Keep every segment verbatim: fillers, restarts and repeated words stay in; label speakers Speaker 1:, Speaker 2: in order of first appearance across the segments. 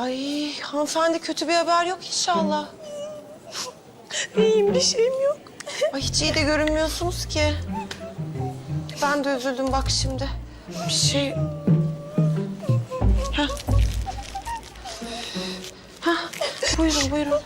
Speaker 1: Ay hanımefendi kötü bir haber yok inşallah. İyiyim bir şeyim yok. Ay hiç iyi de görünmüyorsunuz ki. Ben de üzüldüm bak şimdi. Bir şey... Heh. Heh. Buyurun buyurun.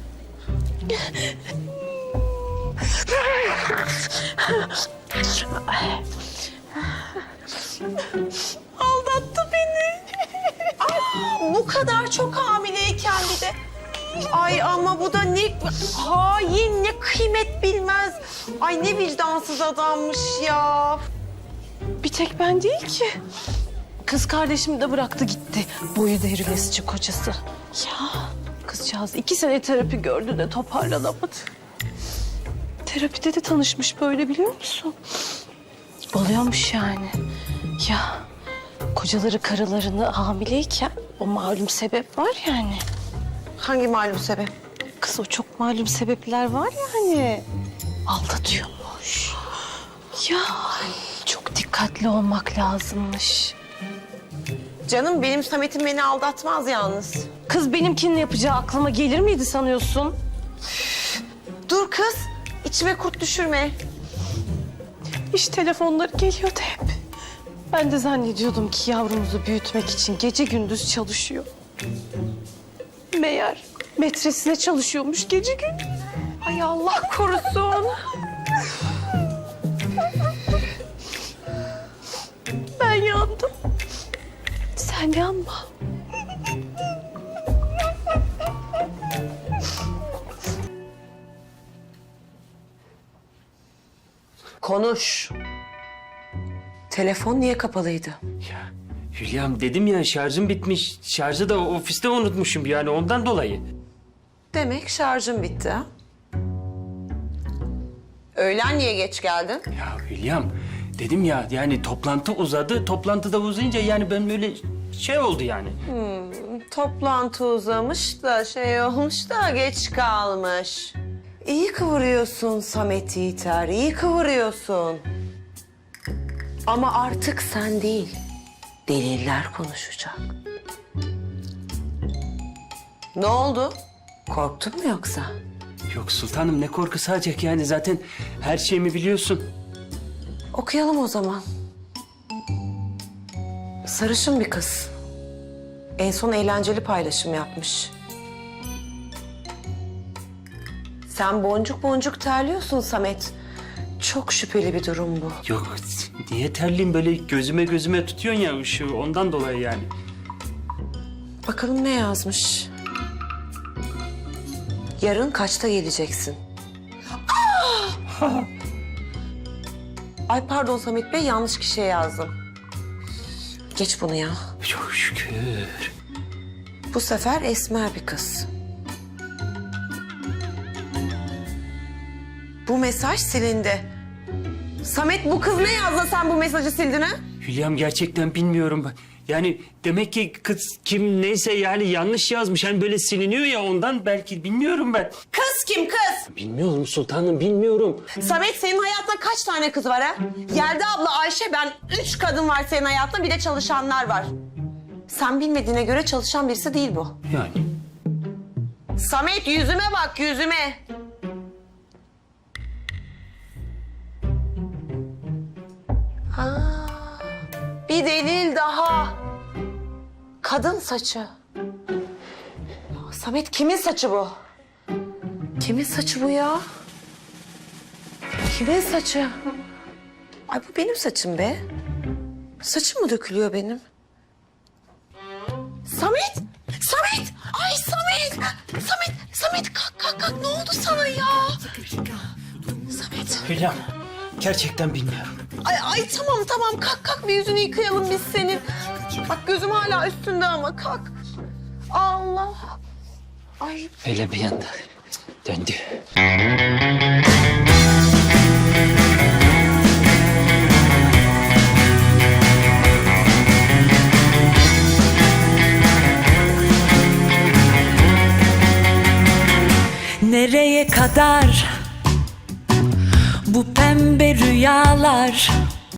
Speaker 1: Aldattı beni. Aa, bu kadar çok hamileyken bir de. Ay ama bu da ne hain, ne kıymet bilmez. Ay ne vicdansız adammış ya.
Speaker 2: Bir tek ben değil ki. Kız kardeşim de bıraktı gitti. Boyu devrilesici kocası. Ya kızcağız iki sene terapi gördü de toparlanamadı. Terapide de tanışmış böyle biliyor musun? Oluyormuş yani. Ya kocaları karılarını hamileyken o malum sebep var yani.
Speaker 1: Hangi malum sebep?
Speaker 2: Kız o çok malum sebepler var yani. Aldatıyormuş. Ya çok dikkatli olmak lazımmış.
Speaker 1: Canım benim Samet'im beni aldatmaz yalnız.
Speaker 2: Kız benimkinin yapacağı aklıma gelir miydi sanıyorsun?
Speaker 1: Dur kız, içime kurt düşürme.
Speaker 2: İş telefonları geliyordu hep. Ben de zannediyordum ki yavrumuzu büyütmek için gece gündüz çalışıyor. Meğer metresine çalışıyormuş gece gündüz. Ay Allah korusun. Ben yandım. Sen yanma.
Speaker 1: Konuş. Telefon niye kapalıydı?
Speaker 3: Ya Hülya'm dedim ya şarjım bitmiş. Şarjı da ofiste unutmuşum yani ondan dolayı.
Speaker 1: Demek şarjın bitti ha? Öğlen niye geç geldin?
Speaker 3: Ya Hülya'm dedim ya yani toplantı uzadı. Toplantıda uzayınca yani ben böyle şey oldu yani.
Speaker 1: Toplantı uzamış da şey olmuş da geç kalmış. İyi kıvırıyorsun Samet Yiğiter, iyi kıvırıyorsun. Ama artık sen değil, deliller konuşacak. Ne oldu? Korktun mu yoksa?
Speaker 3: Yok sultanım ne korkusu olacak yani zaten her şeyimi biliyorsun.
Speaker 1: Okuyalım o zaman. Sarışın bir kız. En son eğlenceli paylaşım yapmış. Sen boncuk boncuk terliyorsun Samet. Çok şüpheli bir durum bu.
Speaker 3: Yok niye terliyim böyle gözüme gözüme tutuyorsun ya ışığı ondan dolayı yani.
Speaker 1: Bakalım ne yazmış. Yarın kaçta geleceksin? Ah! Ay pardon Samet Bey, yanlış kişiye yazdım. Geç bunu ya.
Speaker 3: Çok şükür.
Speaker 1: Bu sefer esmer bir kız. Bu mesaj silindi. Samet bu kız ne yazdı sen bu mesajı sildin ha?
Speaker 3: Hülya'm gerçekten bilmiyorum ben. Yani demek ki kız kim neyse yani yanlış yazmış. Hani böyle siliniyor ya ondan belki bilmiyorum ben.
Speaker 1: Kız kim kız?
Speaker 3: Bilmiyorum sultanım bilmiyorum.
Speaker 1: Samet senin hayatında kaç tane kız var ha? Yelda abla, Ayşe, ben üç kadın var senin hayatında, bir de çalışanlar var. Sen bilmediğine göre çalışan birisi değil bu.
Speaker 3: Yani.
Speaker 1: Samet yüzüme bak yüzüme. Aa, bir delil daha. Kadın saçı. Ya Samet kimin saçı bu? Kimin saçı bu ya? Kimin saçı? Ay bu benim saçım be. Saçım mı dökülüyor benim? Samet! Samet! Ay Samet! Samet! Samet kalk kalk kalk, ne oldu sana ya? Samet!
Speaker 3: Hülya'm gerçekten bilmiyorum.
Speaker 1: Ay ay tamam tamam kalk kalk, bir yüzünü yıkayalım biz senin. Bak gözüm hala üstünde ama kalk. Allah! Ay
Speaker 3: Öyle bir yanda döndü.
Speaker 4: Nereye kadar bu pembe rüyalar?